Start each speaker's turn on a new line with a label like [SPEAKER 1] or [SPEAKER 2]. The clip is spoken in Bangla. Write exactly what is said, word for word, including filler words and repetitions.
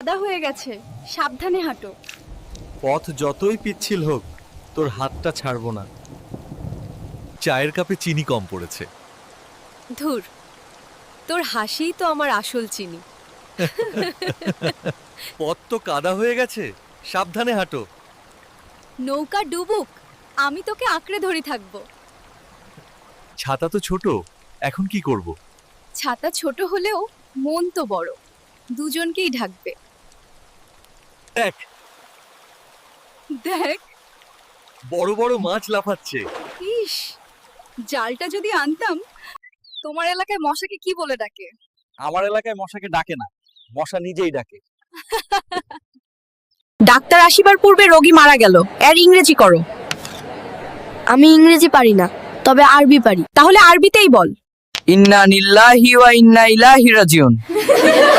[SPEAKER 1] কাদা হয়ে গেছে, সাবধানে হাঁটো।
[SPEAKER 2] পথ যতই পিচ্ছিল হোক, তোর হাতটা ছাড়বো না। চায়ের কাপে চিনি কম পড়েছে।
[SPEAKER 1] ধুর, তোর হাসিই তো আমার আসল চিনি।
[SPEAKER 2] পথ তো কাদা হয়ে গেছে, সাবধানে হাঁটো।
[SPEAKER 1] নৌকা ডুবুক, আমি তোকে আঁকড়ে ধরে থাকবো।
[SPEAKER 2] ছাতা তো ছোট, এখন কি করব?
[SPEAKER 1] ছাতা ছোট হলেও মন তো বড়, দুজনকেই ঢাকবে।
[SPEAKER 2] দেখ,
[SPEAKER 1] দেখ,
[SPEAKER 2] বড় বড় মাছ লাফাচ্ছে।
[SPEAKER 1] ইস, জালটা যদি আনতাম। তোমার এলাকায় মশাকে কি বলে ডাকে?
[SPEAKER 3] আমার এলাকায় মশাকে ডাকে না, মশা নিজেই ডাকে।
[SPEAKER 1] ডাক্তার আসিবার পূর্বে রোগী মারা গেল, এর ইংরেজি করো।
[SPEAKER 4] আমি ইংরেজি পারি না, তবে আরবি পারি।
[SPEAKER 1] তাহলে আরবিতেই বল।
[SPEAKER 3] ইন্না নিল্লাহি ওয়া ইন্না ইলাইহি রাজিউন।